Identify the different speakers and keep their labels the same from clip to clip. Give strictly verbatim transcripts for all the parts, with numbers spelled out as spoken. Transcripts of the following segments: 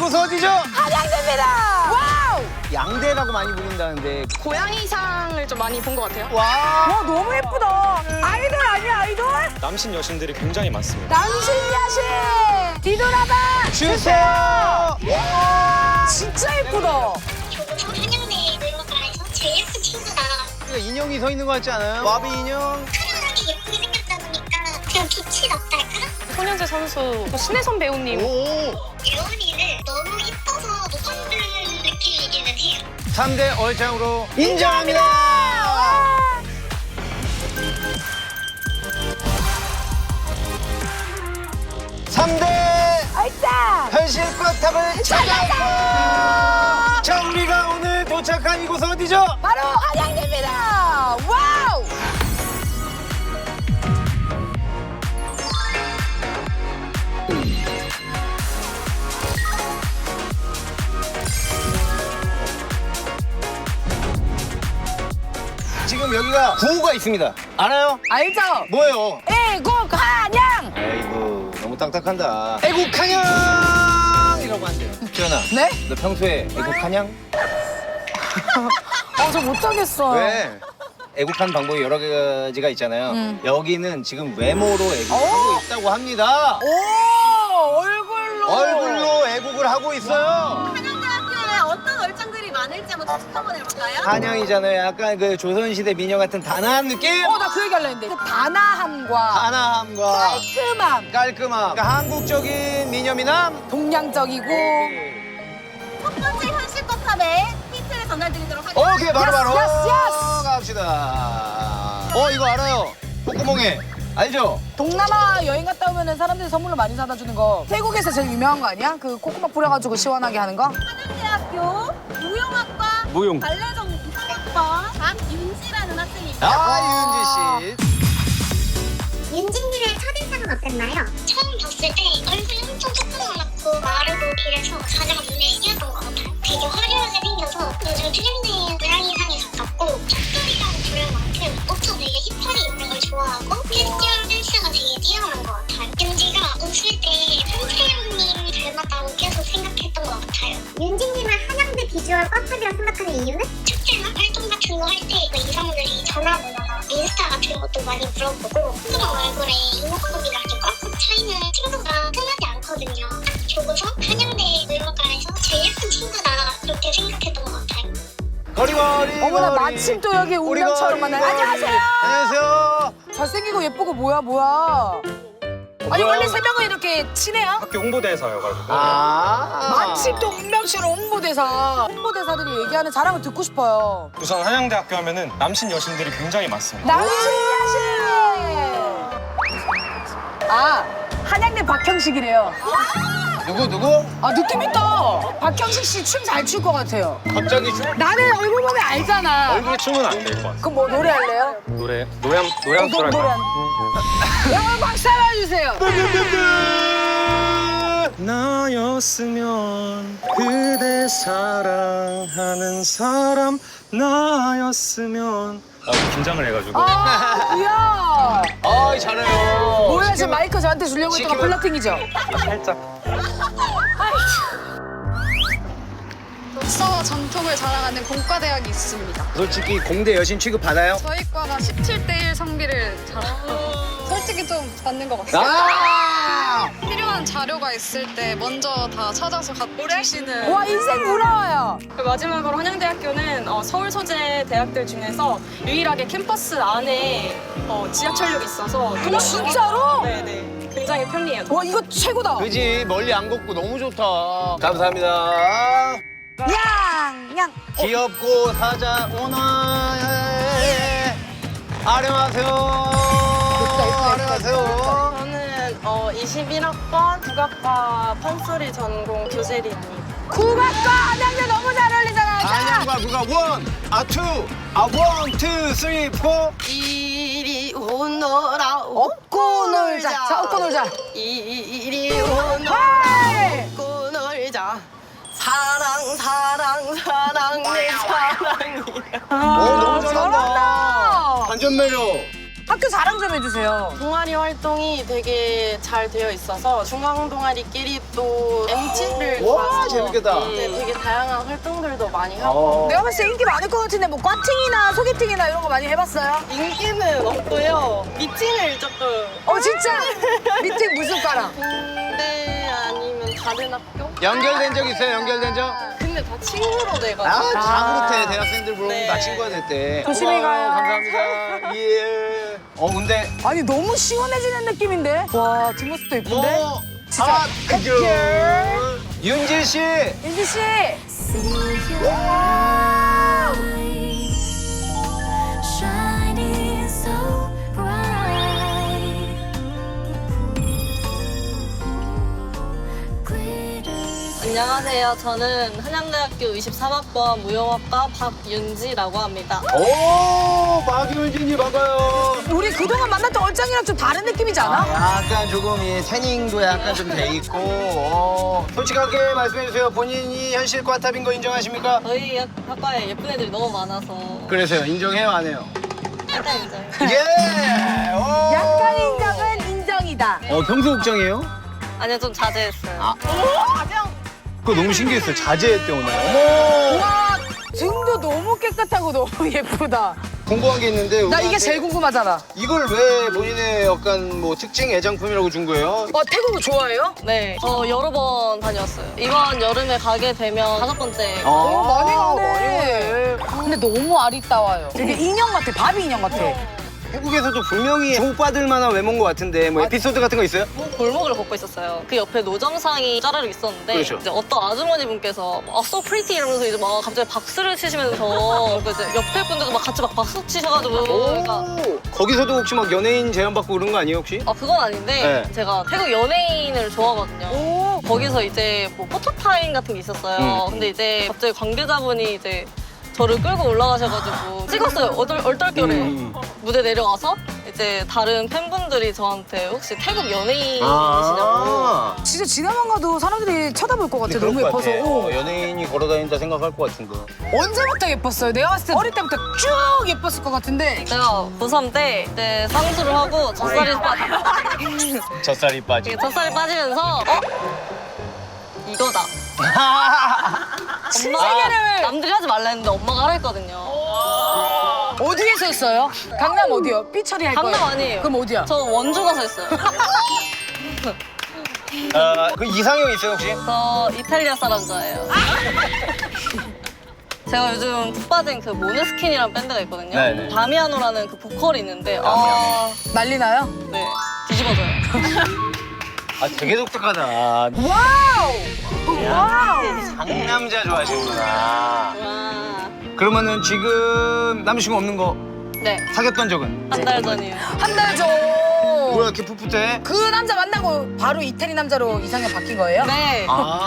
Speaker 1: 이곳은 어디죠?
Speaker 2: 한양대입니다. 와우.
Speaker 1: 양대라고 많이 부른다는데.
Speaker 3: 고양이상을 좀 많이 본 것 같아요.
Speaker 1: 와.
Speaker 2: 와 너무 예쁘다. 아이돌 아니야 아이돌?
Speaker 4: 남신 여신들이 굉장히 많습니다.
Speaker 2: 남신 야신. 뒤돌아봐.
Speaker 1: 주세요.
Speaker 2: 진짜 예쁘다.
Speaker 5: 저부터 한양대 놀러가서 제일 예쁜 친구다.
Speaker 1: 인형이 서 있는 거 같지 않아요? 와비 인형.
Speaker 5: 사람이 예쁘게 생겼다 보니까 그냥 빛이 났달까?
Speaker 3: 손현재 선수, 신혜선 배우님.
Speaker 1: 오.
Speaker 5: 예원이는 너무 이뻐서 높아지는 느낌이기는 해요.
Speaker 1: 삼 대 얼짱으로 인정합니다. 삼 대
Speaker 2: 얼짱.
Speaker 1: 현실 꽉탑을 찾아서. 자, 우리가 오늘 도착한 이곳은 어디죠?
Speaker 2: 바로 한양대입니다. 와우.
Speaker 1: 지금 여기가 구호가 있습니다. 알아요?
Speaker 2: 알죠?
Speaker 1: 뭐예요?
Speaker 2: 애국 한양.
Speaker 1: 아이고, 너무 딱딱한다. 애국한양! 이라고 한대요. 지연아.
Speaker 2: 네?
Speaker 1: 너 평소에 애국한양?
Speaker 2: 아 저 못하겠어.
Speaker 1: 왜? 애국한 방법이 여러 가지가 있잖아요.
Speaker 2: 음.
Speaker 1: 여기는 지금 외모로 애국하고 있다고 합니다.
Speaker 2: 오 얼굴로.
Speaker 1: 얼굴로 애국을 하고 있어요.
Speaker 3: 한양대학교에 어떤 얼짱들이 많을지 한번 추측 한번 해볼까요?
Speaker 1: 한양이잖아요. 약간 그 조선시대 미녀 같은 단아한 느낌?
Speaker 2: 어 나 그 얘기 할라 했는데 그 단아함과
Speaker 1: 단아함과
Speaker 2: 깔끔함,
Speaker 1: 깔끔함. 그러니까 한국적인 미녀미남?
Speaker 2: 동양적이고.
Speaker 3: 첫 번째 현실껏함의 힌트를 전달드리도록 하겠습니다.
Speaker 1: 오케이, 바로 바로
Speaker 2: 야스, 야스.
Speaker 1: 갑시다. 어, 이거 알아요. 콧구멍에. 알죠?
Speaker 2: 동남아 여행 갔다 오면은 사람들이 선물로 많이 사다 주는 거. 태국에서 제일 유명한 거 아니야? 그 코코넛 뿌려가지고 시원하게 하는 거?
Speaker 3: 한양대학교 무용학과
Speaker 4: 무용.
Speaker 3: 발레전 이상학과 장윤지라는 학생입니다.
Speaker 1: 아, 윤지 씨.
Speaker 5: 윤진님의 첫인상은 어땠나요? 처음 봤을 때 얼굴이 엄청 조그맣고 마르고 이래서 가장 눈에 띄었던 것 같아요. 되게 화려하게 생겨서 요즘 트렌드인 고양이상에 가깝고 촛불이라고 부를 만큼 옷도 되게 힙하게 입는 걸 좋아하고 패션 센스가 되게 뛰어난 것 같아요. 윤지가 웃을 때 한채영님 닮았다고 계속 생각했던 것 같아요. 윤진님은 한양대 비주얼 꽉탑이라 생각하는 이유는? 축제나 활동 같은 거 할 때 이성들이 전화번호나 인스타 같은 것도 많이 물어보고 그런 얼굴에 이목구비가 이렇게 꽉꽉 차이는 친구가 흔하지 않거든요. 딱 좋고서 한양대 놀러가에서 제일 예쁜 친구다 이렇게 생각했던 것 같아요.
Speaker 1: 거리거리.
Speaker 2: 어머나
Speaker 1: 거리.
Speaker 2: 마침 또 여기 운명처럼 만나요. 안녕하세요.
Speaker 1: 안녕하세요.
Speaker 2: 잘생기고 예쁘고 뭐야 뭐야. 아니
Speaker 1: 뭐야?
Speaker 2: 원래 세 명은 이렇게 친해요?
Speaker 4: 학교 홍보대사여가지고.
Speaker 1: 아.
Speaker 2: 마침 또 운명처럼 홍보대사. 홍보대사들이 얘기하는 자랑을 듣고 싶어요.
Speaker 4: 우선 한양대학교 하면은 남신 여신들이 굉장히 많습니다.
Speaker 2: 남신 야신. 아 한양대 박형식이래요.
Speaker 1: 누구, 누구?
Speaker 2: 아 느낌 있다. 박형식 씨 춤 잘 출 것 같아요.
Speaker 1: 갑자기 춤?
Speaker 2: 나는 얼굴 보면 알잖아.
Speaker 4: 얼굴에 춤은 안 될 것 같아요.
Speaker 2: 그럼 뭐 노래할래요?
Speaker 4: 노래, 노래 한, 노래 한
Speaker 2: 어,
Speaker 4: 소절
Speaker 2: 노- 노래
Speaker 4: 할까요?
Speaker 2: 한. 영어 박수 한번 주세요.
Speaker 4: 나였으면 그대 사랑하는 사람 나였으면 아, 긴장을 해가지고
Speaker 2: 아 뭐야?
Speaker 1: 아, 잘해요.
Speaker 2: 뭐야 지금 마이크 저한테 주려고 했던 거
Speaker 1: 시키면-
Speaker 2: 플러팅이죠?
Speaker 4: 살짝
Speaker 6: 역사와 전통을 자랑하는 공과대학이 있습니다.
Speaker 1: 솔직히 공대 여신 취급 받아요?
Speaker 6: 저희 과가 십칠 대 일 성비를 자랑하고 솔직히 좀 맞는 것 같아요.
Speaker 1: 아!
Speaker 6: 필요한 자료가 있을 때 먼저 다 찾아서 갖고 주시는.
Speaker 2: 와 인생 부러워요.
Speaker 3: 마지막으로 한양대학교는 어, 서울 소재 대학들 중에서 유일하게 캠퍼스 안에 어, 지하철역이 있어서
Speaker 2: 어, 진짜로?
Speaker 3: 네네 굉장히 편리해요.
Speaker 2: 와 이거 최고다.
Speaker 1: 그지, 멀리 안 걷고 너무 좋다. 감사합니다.
Speaker 2: 양양.
Speaker 1: 귀엽고 사자 오나 아령하세요.
Speaker 2: 예쁘다, 예쁘다,
Speaker 1: 아령하세요.
Speaker 3: 저는 어, 이십일 학번 국악과 판소리 전공 교재리입니다.
Speaker 2: 국악과 한양대 너무 잘 어울리잖아. 자,
Speaker 1: 안녕과 누가 원, 아 투, 아 원, 투, 쓰리, 포.
Speaker 3: 이리 오너라
Speaker 2: 업고 놀자. 자 업고 놀자.
Speaker 3: 이리 오너라
Speaker 2: 하이.
Speaker 3: 업고 놀자 사랑 사랑 사랑 내 사랑이야.
Speaker 1: 오, 너무 잘한다.
Speaker 2: 잘한다.
Speaker 1: 반전 매력.
Speaker 2: 학교 자랑 좀 해주세요.
Speaker 3: 동아리 활동이 되게 잘 되어 있어서 중앙 동아리끼리 또 엠티를
Speaker 1: 와,
Speaker 3: 가서
Speaker 1: 재밌겠다.
Speaker 3: 네, 되게 다양한 활동들도 많이 하고
Speaker 1: 어.
Speaker 2: 내가 봤을 때 인기 많을 것 같은데 뭐 과팅이나 소개팅이나 이런 거 많이 해봤어요?
Speaker 3: 인기는 없고요. 미팅을 조금
Speaker 2: 어 진짜? 미팅 무슨 과랑?
Speaker 3: 군대 아니면 다른 학교?
Speaker 1: 연결된 적 있어요? 연결된 적?
Speaker 3: 근데 다 친구로 돼가지고
Speaker 1: 아, 다 그렇대. 대학생들 물어보면
Speaker 3: 네.
Speaker 1: 다 친구가 됐대.
Speaker 2: 조심히
Speaker 1: 고마워요.
Speaker 2: 가요.
Speaker 1: 감사합니다. 예. 어, 근데
Speaker 2: 아니 너무 시원해지는 느낌인데? 와 뒷모습도 예쁜데?
Speaker 1: 뭐
Speaker 2: 진짜
Speaker 1: 아,
Speaker 2: 핫girl.
Speaker 1: 윤지 씨.
Speaker 2: 윤지 씨!
Speaker 7: Shining so bright, glitters.
Speaker 3: 안녕하세요. 저는 한양대학교 이십삼 학번 무용학과 박윤지라고 합니다.
Speaker 1: 오, 박윤진이 반가요.
Speaker 2: 우리 그동안 만났던 얼짱이랑 좀 다른 느낌이지 않아?
Speaker 1: 아, 약간 조금 이 태닝도 약간 좀 돼 있고. 어. 솔직하게 말씀해 주세요. 본인이 현실 과탑인 거 인정하십니까?
Speaker 3: 저희 학- 학과에 예쁜 애들이 너무 많아서
Speaker 1: 그래서요. 인정해요, 안 해요?
Speaker 3: 약간 인정.
Speaker 1: 예. 오.
Speaker 2: 약간 인정은 인정이다.
Speaker 1: 어, 평소 걱정이에요?
Speaker 3: 아니요, 좀 자제했어요.
Speaker 1: 아. 그거 너무 신기했어요. 자제했대 오늘. 어머.
Speaker 2: 와 등도 너무 깨끗하고 너무 예쁘다.
Speaker 1: 궁금한 게 있는데
Speaker 2: 나 이게
Speaker 1: 우리한테
Speaker 2: 제일 궁금하잖아.
Speaker 1: 이걸 왜 본인의 약간 뭐 특징 애장품이라고 준 거예요?
Speaker 2: 어 태국 좋아해요?
Speaker 3: 네, 저 여러 번 다녔어요. 이번 여름에 가게 되면 다섯 번째.
Speaker 1: 어,
Speaker 2: 어, 많이 가네. 근데 너무 아리따워요. 되게 인형 같아. 바비 인형 같아.
Speaker 1: 태국에서도 분명히 주목받을 만한 외모인 것 같은데 뭐 에피소드 같은 거 있어요?
Speaker 3: 골목을 걷고 있었어요. 그 옆에 노점상이 짜르르 있었는데
Speaker 1: 그렇죠.
Speaker 3: 이제 어떤 아주머니 분께서 아, so pretty 이러면서 이제 막 갑자기 박수를 치시면서 그 이제 옆에 분들도 막 같이 막 박수 치셔가지고 그러니까
Speaker 1: 오, 거기서도 혹시 막 연예인 제안 받고 그런 거 아니에요 혹시?
Speaker 3: 아 그건 아닌데
Speaker 1: 네.
Speaker 3: 제가 태국 연예인을 좋아하거든요.
Speaker 2: 오.
Speaker 3: 거기서 이제 뭐 포토타임 같은 게 있었어요.
Speaker 1: 음.
Speaker 3: 근데 이제 갑자기 관계자분이 이제 저를 끌고 올라가셔가지고 찍었어요. 얼떨, 얼떨결에
Speaker 1: 음.
Speaker 3: 무대 내려와서 이제 다른 팬분들이 저한테 혹시 태국 연예인이시냐고.
Speaker 1: 아,
Speaker 2: 진짜 지나만 가도 사람들이 쳐다볼 것 같아.
Speaker 1: 그럴
Speaker 2: 너무
Speaker 1: 것
Speaker 2: 예뻐서.
Speaker 1: 같아.
Speaker 2: 어.
Speaker 1: 어, 연예인이 걸어다닌다 생각할 것 같은데.
Speaker 2: 언제부터 예뻤어요? 내가 봤을 때 어릴 때부터 쭉 예뻤을 것 같은데.
Speaker 3: 제가 고삼 때 이제 쌍수를 하고 젖살이 빠
Speaker 1: 젖살이 빠지.
Speaker 3: 젖살이 빠지면서 어? 이거다.
Speaker 2: 신세계를
Speaker 3: 남들이 하지 말라 했는데 엄마가 하라 했거든요.
Speaker 2: 어디에서 했어요? 강남 어디요? 삐처리 할 거예요?
Speaker 3: 강남 아니에요.
Speaker 2: 그럼 어디야?
Speaker 3: 저 원주 가서 했어요.
Speaker 1: 아, 그 이상형 있어요 혹시?
Speaker 3: 저 이탈리아 사람 좋아해요. 제가 요즘 푹 빠진 그 모네스킨이라는 밴드가 있거든요.
Speaker 1: 네네.
Speaker 3: 다미아노라는 그 보컬이 있는데 아,
Speaker 2: 난리 나요?
Speaker 3: 네 뒤집어져요.
Speaker 1: 아, 되게 독특하다.
Speaker 2: 와우! 와우!
Speaker 1: 상남자 좋아하시구나.
Speaker 3: 와,
Speaker 1: 그러면은 지금 남자친구 없는 거
Speaker 3: 네,
Speaker 1: 사귀었던 적은?
Speaker 3: 한 달 전이에요.
Speaker 2: 한 달 전.
Speaker 1: 뭐야 이렇게 풋풋해?
Speaker 2: 그 남자 만나고 바로 이태리 남자로 이상형 바뀐 거예요?
Speaker 3: 네,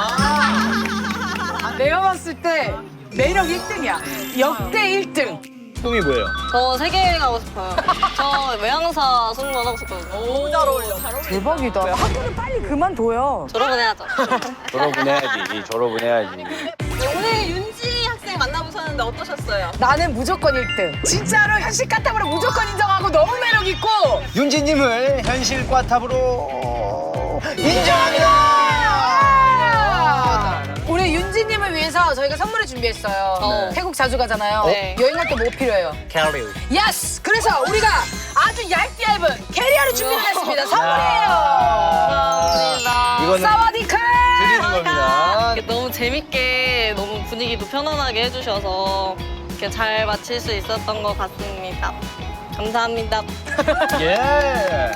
Speaker 1: 아,
Speaker 2: 내가 봤을 때 매력 일 등이야. 역대 일 등.
Speaker 1: 꿈이 뭐예요?
Speaker 3: 저 세계 가고 싶어요. 저 외항사 승무원 하고 싶거든요. 너무 잘 어울려.
Speaker 2: 대박이다. 학교를 빨리 그만둬요.
Speaker 3: 졸업은 해야죠.
Speaker 1: 졸업은 해야지. 졸업은 해야지.
Speaker 3: 오늘 윤지 학생 만나보셨는데 어떠셨어요?
Speaker 2: 나는 무조건 일 등. 진짜로 현실 까탑으로 무조건 인정하고 너무 매력 있고.
Speaker 1: 윤지님을 현실 과탑으로 인정합니다.
Speaker 2: 우리 윤지님을 위해서 저희가 선물을 준비했어요.
Speaker 3: 어.
Speaker 2: 태국 자주 가잖아요.
Speaker 3: 네.
Speaker 2: 여행 갈 때 뭐 필요해요?
Speaker 1: 캐리.
Speaker 2: 예스! 그래서 우리가 아주 얇게 얇은 캐리어를 준비를 했습니다. 선물이에요.
Speaker 3: 감사합니다.
Speaker 1: 이거는
Speaker 2: 사와디카!
Speaker 1: 드리는 겁니다.
Speaker 3: 이렇게 너무 재밌게 너무 분위기도 편안하게 해주셔서 이렇게 잘 마칠 수 있었던 것 같습니다. 감사합니다.
Speaker 1: 예.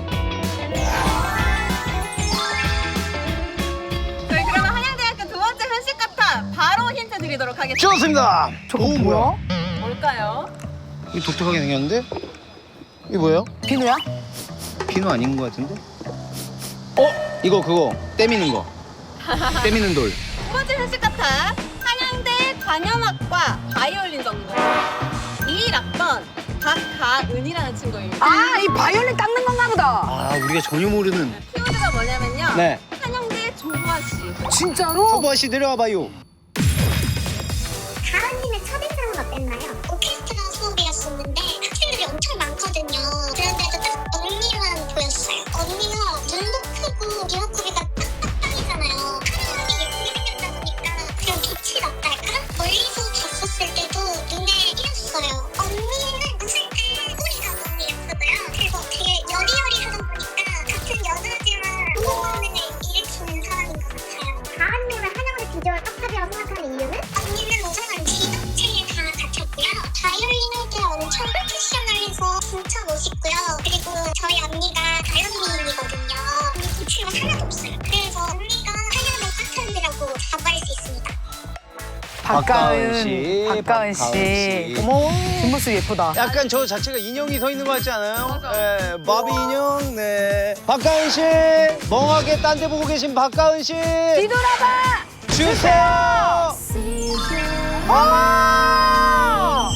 Speaker 8: 저희 그러면 한양대학교 두 번째 현실 카타 바로 힌트 드리도록 하겠습니다.
Speaker 1: 좋습니다.
Speaker 2: 저거 뭐야?
Speaker 8: 뭘까요?
Speaker 1: 이 독특하게 생겼는데? 이게 뭐예요?
Speaker 2: 비누야?
Speaker 1: 비누 아닌 것 같은데? 어? 이거 그거 떼미는 거. 떼미는 돌.
Speaker 8: 두 번째 현실 카타 한양대 관현악과 바이올린 전공 이일 학번 박가은이라는 친구입니다.
Speaker 2: 아, 이 바이올린 닦는 건가 보다.
Speaker 1: 아, 우리가 전혀 모르는.
Speaker 8: 키워드가 뭐냐면요.
Speaker 1: 네.
Speaker 8: 한양대 조보아 씨.
Speaker 2: 진짜로?
Speaker 1: 초보아 씨 내려와봐요.
Speaker 5: 가은님의 첫인상은 어땠나요? 오케스트라 수업이었었는데 학생들이 엄청 많거든요. 그런데도 딱 언니만 보였어요. 언니가 눈도 크고 이목구비가 딱딱딱이잖아요. 하나하나 예쁘게 생겼다 보니까 그런 빛이 났달까? 멀리서 봤었을 때도 눈에 띄었어요. 언니는 웃을 때 꼬리가 너무 예쁘고요. 그리고 되게 여리여리하다 보니까 같은 여자지만 호감을 일으키는 사람인 것 같아요. 가은님은 한영의 비주얼 떡밥이라고 생각하는 이유는? 언니는 우선은 지덕체에 다 갖췄고요. 바이올린 할 때 엄청 프로페셔널해서 진짜 멋있고요. 그리고 저희 언니가 다현미인이거든요. 근데 기침은 하나도 없어요. 그래서 언니가 한영의 파트너라고 자부할 수 있습니다.
Speaker 2: 박가은
Speaker 1: 씨,
Speaker 2: 박가은
Speaker 1: 박가은
Speaker 2: 씨.
Speaker 1: 씨.
Speaker 2: 어머 뒷모습 예쁘다.
Speaker 1: 약간 저 자체가 인형이 서 있는 것 같지 않아요? 네, 바비 인형. 네. 박가은 씨, 멍하게 딴 데 보고 계신 박가은 씨.
Speaker 2: 뒤돌아봐.
Speaker 1: 주세요.
Speaker 7: See you
Speaker 2: 어!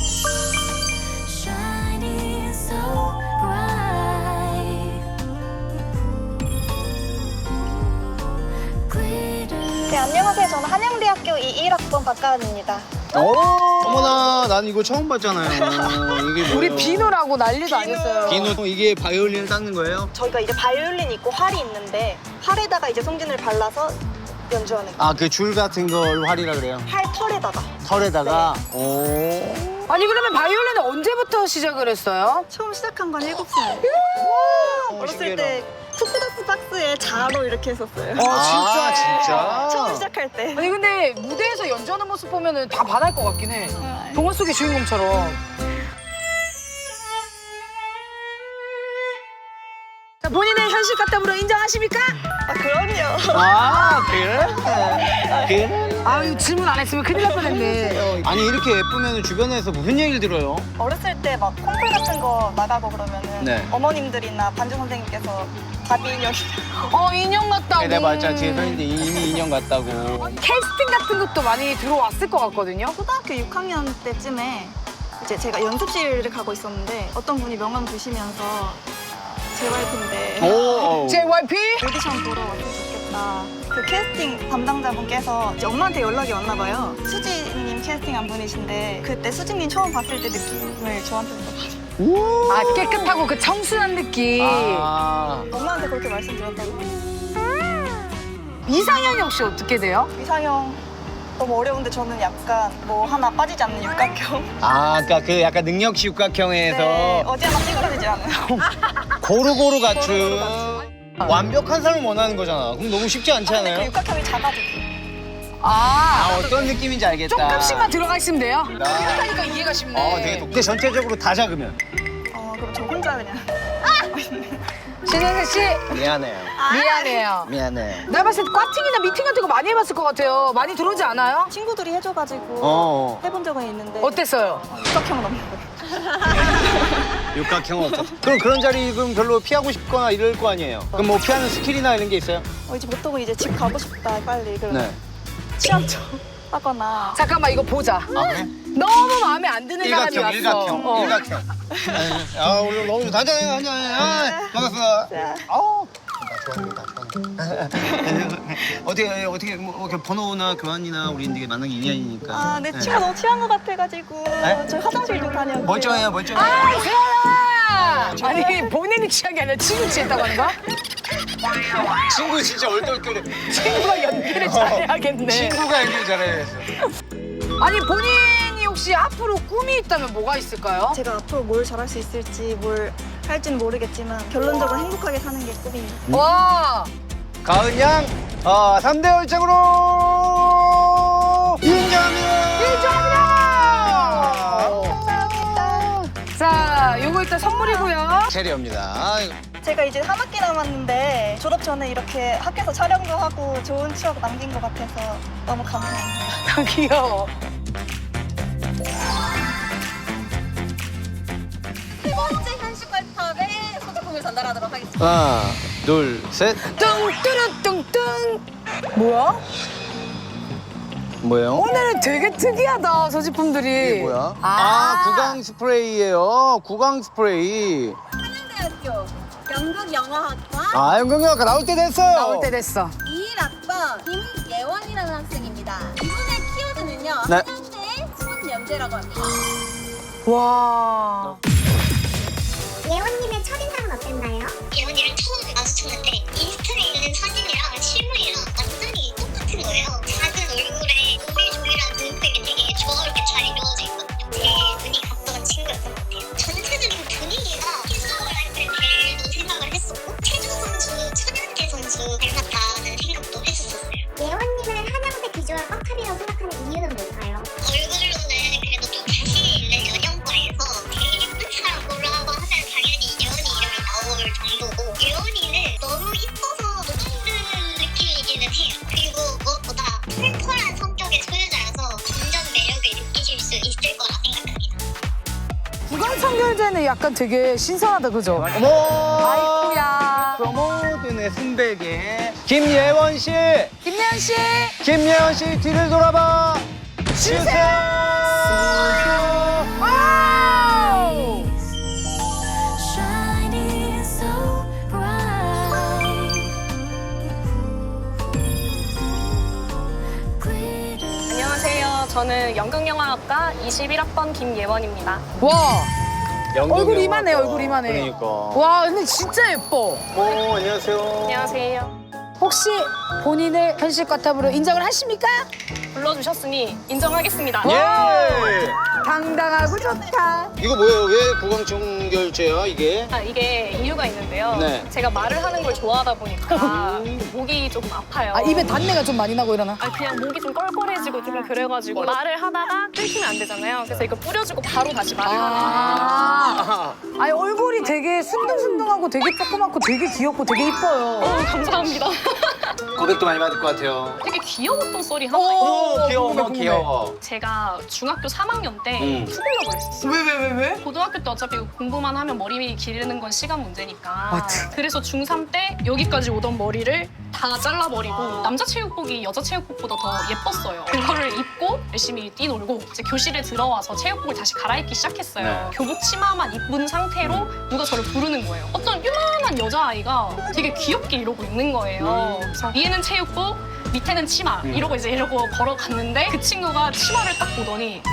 Speaker 7: shining so bright. Glitter.
Speaker 8: 네, 안녕하세요. 저는 한양대학교 이십일 학번 박가은입니다.
Speaker 1: 오, 어머나, 난 이거 처음 봤잖아요. 이게 뭐예요?
Speaker 2: 우리 비누라고 난리도 아니었어요.
Speaker 1: 비누, 이게 바이올린을 닦는 거예요?
Speaker 8: 저희가 이제 바이올린 있고 활이 있는데 활에다가 이제 송진을 발라서 연주하는 거예요.
Speaker 1: 아, 그 줄 같은 걸 활이라 그래요?
Speaker 8: 활 털에다가.
Speaker 1: 털에다가.
Speaker 8: 네.
Speaker 1: 오.
Speaker 2: 아니 그러면 바이올린은 언제부터 시작을 했어요?
Speaker 8: 처음 시작한 건 일곱 살.
Speaker 1: 오,
Speaker 8: 어렸을
Speaker 1: 신기하다.
Speaker 8: 때 투스닥스 박스에 자로 이렇게 했었어요.
Speaker 2: 어 진짜.
Speaker 1: 아, 진짜?
Speaker 8: 처음 시작할 때.
Speaker 2: 아니 근데 무대에서 연주하는 모습 보면은 다 반할 것 같긴 해. 동화 속의 주인공처럼. 자, 본인의 현실 같다으로 인정하십니까?
Speaker 8: 아, 그럼요.
Speaker 1: 아, 그래? 그래?
Speaker 2: 아유 질문 안 했으면 큰일 날 뻔했네.
Speaker 1: 아니, 이렇게 예쁘면 주변에서 무슨 얘기를 들어요?
Speaker 8: 어렸을 때 막 콩쿨 같은 거 나가고 그러면은
Speaker 1: 네.
Speaker 8: 어머님들이나 반주 선생님께서 바비 인형이
Speaker 2: 어 인형 같다고.
Speaker 1: 내가 맞자, 뒤에 서 있는데 이미 인형 같다고.
Speaker 2: 캐스팅 같은 것도 많이 들어왔을 것 같거든요.
Speaker 8: 초등학교 육 학년 때쯤에 이제 제가 연습실을 가고 있었는데 어떤 분이 명함 주시면서 제이와이피인데
Speaker 1: 오.
Speaker 2: 제이와이피?
Speaker 8: 오디션 보러 왔으면 좋겠다. 그 캐스팅 담당자분께서 이제 엄마한테 연락이 왔나 봐요. 수지님 캐스팅한 분이신데 그때 수지님 처음 봤을 때 느낌을 저한테서 받아요.
Speaker 2: 아 깨끗하고 그 청순한 느낌.
Speaker 1: 아.
Speaker 8: 엄마한테 그렇게 말씀드렸다고.
Speaker 2: 이상형이 혹시 어떻게 돼요?
Speaker 8: 이상형 너무 어려운데 저는 약간 뭐 하나 빠지지 않는 육각형.
Speaker 1: 아, 그러니까 그 약간 능력치 육각형에서
Speaker 8: 네, 어디 하나 찌그러지지 않아요.
Speaker 1: 고루고루 갖춘
Speaker 8: 고루고루
Speaker 1: 완벽한 사람을 원하는 거잖아. 그럼 너무 쉽지 않지
Speaker 8: 근데 그
Speaker 1: 않아요?
Speaker 8: 육각형이 작아지고.
Speaker 2: 아,
Speaker 1: 아, 어떤 느낌인지 알겠다.
Speaker 2: 조금씩만 들어가 있으면 돼요?
Speaker 1: 나-
Speaker 2: 그렇다니까 이해가 쉽네.
Speaker 1: 어, 되게 독. 근데 전체적으로 다 작으면
Speaker 8: 어 그럼 저 혼자 그냥.
Speaker 2: 신현세 씨
Speaker 1: 미안해요.
Speaker 2: 미안해요.
Speaker 1: 미안해.
Speaker 2: 내가 봤을 때 과팅이나 미팅 같은 거 많이 해봤을 것 같아요. 많이 들어오지 않아요?
Speaker 8: 친구들이 해줘가지고
Speaker 1: 어.
Speaker 8: 해본 적은 있는데
Speaker 2: 어땠어요?
Speaker 8: 육각형은 없는 거예요.
Speaker 1: 육각형 없어. 그럼 그런 자리 그럼 별로 피하고 싶거나 이럴 거 아니에요? 그럼 뭐 피하는 스킬이나 이런 게 있어요?
Speaker 8: 어, 이제 보통은 이제 집 가고 싶다 빨리 그럼
Speaker 1: 네.
Speaker 8: 취향 좀 하거나.
Speaker 2: 잠깐만 이거 보자.
Speaker 1: 아, 그래?
Speaker 2: 너무 마음에 안 드는 사람이
Speaker 1: 일각형,
Speaker 2: 왔어.
Speaker 1: 일각형,
Speaker 2: 어.
Speaker 1: 일각형. 아, 오늘 너무 좋다. 한잔해, 한잔해. 아, 반갑습니다.
Speaker 8: 자,
Speaker 1: 아우. 나 좋아합니다, 좋아합니다. 어떻게, 어떻게, 뭐, 이렇게 번호나 교환이나 우리 이제 만난 게 인연이니까.
Speaker 8: 아, 내 친구 너무 취한 것 같아가지고
Speaker 1: 네?
Speaker 8: 저희 화장실 좀 다녀올게요.
Speaker 1: 멀쩡해요, 멀쩡해요.
Speaker 2: 아, 세연아! 아니 본인이 취한 게 아니라 친구 취했다고 하는 거야?
Speaker 1: 친구 진짜 얼떨결에.
Speaker 2: 친구가 연기를 잘해야겠네.
Speaker 1: 친구가 연기를 잘해야겠어.
Speaker 2: 아니 본인이 혹시 앞으로 꿈이 있다면 뭐가 있을까요?
Speaker 8: 제가 앞으로 뭘 잘할 수 있을지 뭘 할지는 모르겠지만 결론적으로 행복하게 사는 게 꿈입니다.
Speaker 2: 와!
Speaker 1: 가은 양, 어, 삼 대 열정으로 인정합니다.
Speaker 2: 인정합니다. 자, 요거 일단 선물이고요.
Speaker 1: 체리입니다.
Speaker 8: 제가 이제 한 학기 남았는데 졸업 전에 이렇게 학교에서 촬영도 하고 좋은 추억 남긴 것 같아서 너무 감사합니다.
Speaker 2: 귀여워.
Speaker 8: 세 번째 현실과탑에 소지품을 전달하도록 하겠습니다.
Speaker 1: 하나, 둘, 셋.
Speaker 2: 뚱뚜루뚱뚱. 뭐야?
Speaker 1: 뭐예요?
Speaker 2: 오늘은 되게 특이하다, 소지품들이.
Speaker 1: 이게 뭐야?
Speaker 2: 아,
Speaker 1: 아, 구강 스프레이예요. 구강 스프레이.
Speaker 5: 한양대학교 연극영화학과
Speaker 1: 아, 연극영화과 나올 때 됐어요.
Speaker 2: 나올 때 됐어.
Speaker 5: 이십일 학번 김예원이라는 학생입니다. 이분의 키워드는요.
Speaker 1: 네.
Speaker 5: 한양대의 손연재라고 합니다.
Speaker 2: 와.
Speaker 5: 예원님의 첫인상은 어땠나요? 예원이랑 처음 마주쳤는데 인스타에 있는 사진이랑 실물이랑 완전히 똑같은 거예요. 작은 얼굴에 조밀조밀한 눈색이 되게 조화롭게 잘 이루어져 있거든요. 제 눈이 갔던 친구였던 것 같아요. 전체적인 분위기가 피스라이프의 벨도 생각을 했었고 최주 선수, 천연태 선수 닮았다는 생각도 했었어요. 예원님을 한양대 비주얼 꽉탑이라고 생각하는 이유는 뭘까요? 얼굴로는 그래도 좀 자신 있는 연영과에서 되게 예쁜 사람 고르라고 하면 당연히 예원이 이름이 나올 정도고 예원이는 너무 이뻐서 녹아오르는 느낌이기는 해요. 그리고 무엇보다 털털한 성격의 소유자여서 완전 매력을 느끼실 수 있을 거라 생각합니다.
Speaker 2: 구강청결제는 약간 되게 신선하다, 그죠?
Speaker 1: 어머!
Speaker 2: 아이쿠야.
Speaker 1: 프로모드의 순백의 김예원 씨!
Speaker 2: 김예은 씨.
Speaker 1: 김예원 씨 뒤를 돌아봐 주세요!
Speaker 2: 와우.
Speaker 7: Shining so bright. Glitter.
Speaker 3: 안녕하세요. 저는 연극영화학과 이십일 학번 김예원입니다.
Speaker 2: 와.
Speaker 1: 연극
Speaker 2: 얼굴
Speaker 1: 영화
Speaker 2: 이만해,
Speaker 1: 거.
Speaker 2: 얼굴 이만해.
Speaker 1: 그러니까.
Speaker 2: 와, 근데 진짜 예뻐.
Speaker 1: 어, 안녕하세요.
Speaker 3: 안녕하세요.
Speaker 2: 혹시 본인을 현실 과탑으로 인정을 하십니까?
Speaker 3: 불러주셨으니 인정하겠습니다.
Speaker 1: 예!
Speaker 2: 당당하고 좋다.
Speaker 1: 이거 뭐예요? 왜 구강청결제야, 이게?
Speaker 3: 아, 이게 이유가 있는데요.
Speaker 1: 네.
Speaker 3: 제가 말을 하는 걸 좋아하다 보니까 목이 조금 아파요.
Speaker 2: 아, 입에 단내가 좀 많이 나고 이러나?
Speaker 3: 아, 그냥 목이 좀 껄껄해지고 좀 그래가지고 말을 하다가 끊기면 안 되잖아요. 그래서 이거 뿌려주고 바로 다시 말을 하는
Speaker 2: 아. 아니, 얼굴이 되게 순둥순둥하고 되게 조그맣고 되게 귀엽고 되게 이뻐요.
Speaker 3: 어, 감사합니다.
Speaker 1: 고백도 많이 받을 것 같아요.
Speaker 3: 되게 귀여웠던 썰이 하나
Speaker 2: 오,
Speaker 3: 있어요.
Speaker 1: 오, 귀여워,
Speaker 2: 궁금해, 궁금해.
Speaker 1: 귀여워.
Speaker 3: 제가 중학교 삼 학년 때
Speaker 1: 음.
Speaker 3: 투블럭을 했었어요.
Speaker 2: 왜, 왜, 왜, 왜?
Speaker 3: 고등학교 때 어차피 공부만 하면 머리 기르는 건 시간 문제니까.
Speaker 2: 맞지.
Speaker 3: 그래서 중삼 때 여기까지 오던 머리를 다 잘라버리고 남자 체육복이 여자 체육복보다 더 예뻤어요. 그거를 입고 열심히 뛰놀고 이제 교실에 들어와서 체육복을 다시 갈아입기 시작했어요.
Speaker 1: 네.
Speaker 3: 교복 치마만 입은 상태로 누가 저를 부르는 거예요. 어떤 요만한 여자아이가 되게 귀엽게 이러고 있는 거예요. 그래서 위에는 체육복, 밑에는 치마 이러고 이제 이러고 걸어갔는데 그 친구가 치마를 딱 보더니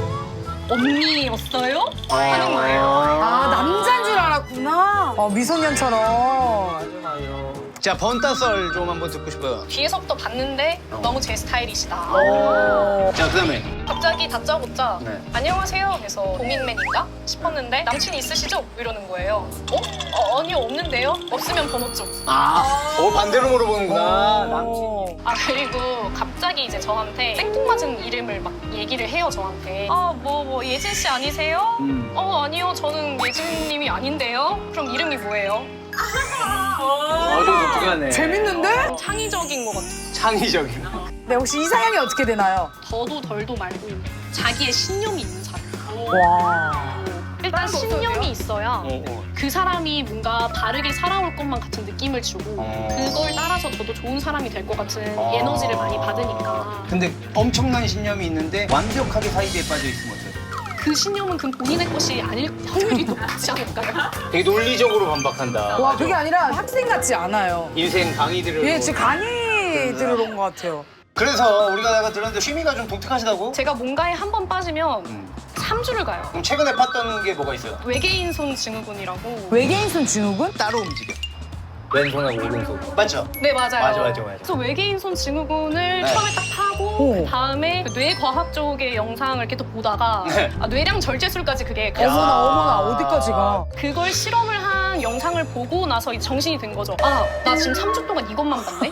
Speaker 3: 언니였어요? 하는 거예요.
Speaker 2: 아, 남자인 줄 알았구나. 어, 미소년처럼.
Speaker 1: 자, 번따썰 좀 한번 듣고 싶어요.
Speaker 3: 뒤에서부터 봤는데 너무 제 스타일이시다.
Speaker 1: 자, 그 다음에.
Speaker 3: 갑자기 다짜고짜
Speaker 1: 네.
Speaker 3: 안녕하세요 해서 고민맨인가 싶었는데 남친 있으시죠? 이러는 거예요. 어? 어 아니요 없는데요? 없으면 번호 좀.
Speaker 1: 아, 어, 반대로 물어보는구나.
Speaker 2: 오.
Speaker 3: 아 그리고 갑자기 이제 저한테 생뚱맞은 이름을 막 얘기를 해요 저한테. 아 뭐 뭐 예진 씨 아니세요?
Speaker 1: 음.
Speaker 3: 어 아니요 저는 예진님이 아닌데요. 그럼 이름이 뭐예요?
Speaker 1: 어, 좀 독특하네.
Speaker 2: 재밌는데?
Speaker 3: 창의적인 것 같아요.
Speaker 1: 창의적인.
Speaker 2: 네, 혹시 이상형이 어떻게 되나요?
Speaker 3: 더도 덜도 말고 자기의 신념이 있는 사람.
Speaker 2: 와.
Speaker 3: 일단 신념이 있어야
Speaker 1: 어, 어.
Speaker 3: 그 사람이 뭔가 다르게 살아올 것만 같은 느낌을 주고
Speaker 1: 어.
Speaker 3: 그걸 따라서 저도 좋은 사람이 될 것 같은
Speaker 1: 어.
Speaker 3: 에너지를 많이 받으니까
Speaker 1: 근데 엄청난 신념이 있는데 완벽하게 사이비에 빠져 있으면 어때요?
Speaker 3: 그 신념은 그 본인의 것이 아닐 확률이 높지 않을까요?
Speaker 1: 되게 논리적으로 반박한다.
Speaker 2: 와, 그게 아니라 학생 같지 않아요.
Speaker 1: 인생 강의들을.
Speaker 2: 예, 지금 강의 들으러 온 것 같아요.
Speaker 1: 그래서 우리가 내가 들었는데 취미가 좀 독특하시다고?
Speaker 3: 제가 뭔가에 한 번 빠지면
Speaker 1: 음.
Speaker 3: 삼 주를 가요.
Speaker 1: 그럼 최근에 팠던 게 뭐가 있어요?
Speaker 3: 외계인 손 증후군이라고.
Speaker 2: 외계인 손 증후군?
Speaker 1: 따로 움직여. 왼손하고 오른손. 맞죠?
Speaker 3: 네 맞아요.
Speaker 1: 맞아, 맞아, 맞아.
Speaker 3: 그래서 외계인 손 증후군을
Speaker 1: 네.
Speaker 3: 처음에 딱 하고
Speaker 2: 오.
Speaker 3: 그 다음에 그 뇌과학 쪽의 영상을 계속 보다가
Speaker 1: 네.
Speaker 3: 아, 뇌량 절제술까지 그게
Speaker 1: 야.
Speaker 2: 어머나, 어머나, 어디까지 가?
Speaker 3: 그걸 실험을 한 영상을 보고 나서 이제 정신이 든 거죠. 아, 나 지금 삼 주 동안 이것만 봤네?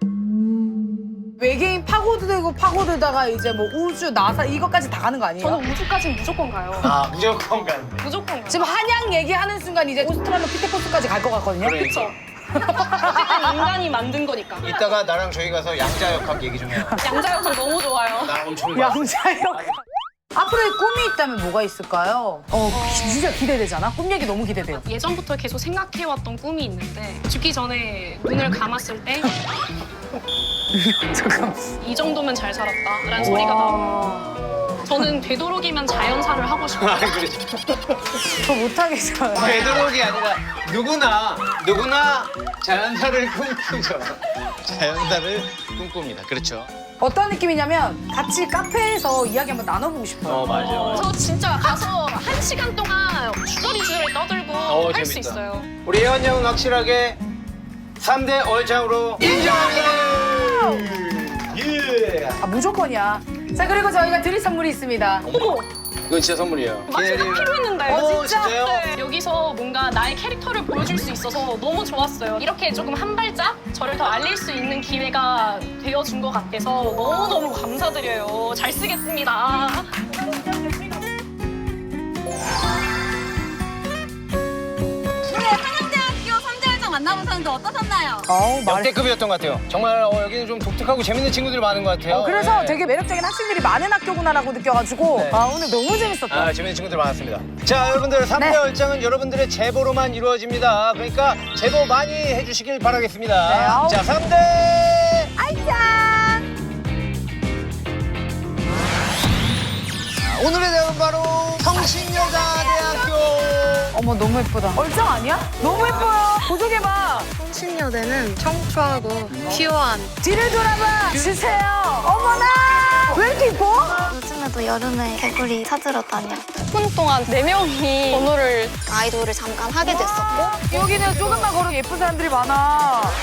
Speaker 2: 외계인 파고들고 파고들다가 이제 뭐 우주, 나사 이것까지 다 가는 거 아니에요?
Speaker 3: 저는 우주까지는 무조건 가요.
Speaker 1: 아, 무조건 간대.
Speaker 3: 무조건 가요.
Speaker 2: 지금 한양 얘기하는 순간 이제 오스트랄로피테쿠스까지 갈 것 같거든요.
Speaker 3: 그쵸. 어쨌든 인간이 만든 거니까.
Speaker 1: 이따가 나랑 저희 가서 양자역학 얘기 좀 해요.
Speaker 3: 양자역학 너무 좋아요.
Speaker 1: 나 엄청 좋아.
Speaker 2: 양자역. 앞으로의 꿈이 있다면 뭐가 있을까요? 어, 진짜 기대되잖아. 꿈 얘기 너무 기대돼요.
Speaker 3: 예전부터 계속 생각해왔던 꿈이 있는데 죽기 전에 눈을 감았을 때 이
Speaker 2: 잠깐.
Speaker 3: 정도면 잘 살았다라는 소리가 나오는 저는 되도록이면 자연사를 하고 싶어요.
Speaker 1: 아, 그렇죠.
Speaker 2: 저 못하겠어요.
Speaker 1: 되도록이 아니라 누구나 누구나 자연사를 꿈꾸죠. 자연사를 꿈꿉니다. 그렇죠.
Speaker 2: 어떤 느낌이냐면 같이 카페에서 이야기 한번 나눠보고 싶어요.
Speaker 1: 어 맞아. 맞아.
Speaker 3: 저 진짜 가서 한 시간 동안 주저리주저리 떠들고
Speaker 1: 어,
Speaker 3: 할 수
Speaker 1: 재밌다.
Speaker 3: 있어요.
Speaker 1: 우리 예원 양은 확실하게 삼 대 얼짱으로 인정합니다. 예.
Speaker 2: 아, 무조건이야. 자, 그리고 저희가 드릴 선물이 있습니다.
Speaker 3: 어머!
Speaker 1: 이건 진짜 선물이에요.
Speaker 3: 마치가 필요했는데요.
Speaker 1: 어, 진짜요?
Speaker 3: 네. 여기서 뭔가 나의 캐릭터를 보여줄 수 있어서 너무 좋았어요. 이렇게 조금 한 발짝 저를 더 알릴 수 있는 기회가 되어준 것 같아서 너무너무 감사드려요. 잘 쓰겠습니다.
Speaker 6: 만나보셨는데 어떠셨나요?
Speaker 2: 어우, 말.
Speaker 1: 역대급이었던 것 같아요. 정말 어, 여기는 좀 독특하고 재밌는 친구들이 많은 것 같아요.
Speaker 2: 어, 그래서
Speaker 1: 네.
Speaker 2: 되게 매력적인 학생들이 많은 학교구나라고 느껴가지고
Speaker 1: 네.
Speaker 2: 아, 오늘 너무 재밌었다.
Speaker 1: 아, 재밌는 친구들 많았습니다. 자, 여러분들 삼 대
Speaker 2: 네.
Speaker 1: 얼짱은 여러분들의 제보로만 이루어집니다. 그러니까 제보 많이 해주시길 바라겠습니다.
Speaker 2: 네, 아우.
Speaker 1: 자, 삼 대
Speaker 2: 알짱!
Speaker 1: 오늘의 대학은 바로 성신여자대학교.
Speaker 2: 어머, 너무 예쁘다. 얼짱 아니야? 너무 예뻐요. 보조개봐.
Speaker 6: 성신여대는 청초하고 퓨어한
Speaker 2: 뒤를 돌아봐 주세요. 어머나! 왜 이렇게 이뻐?
Speaker 5: 요즘에도 여름에 개구리 찾으러 다녀.
Speaker 6: 십 분 동안 네 명이 번호를
Speaker 5: 아이돌을 잠깐 하게 됐었고
Speaker 2: 여기는 조금만 걸어도 예쁜 사람들이 많아.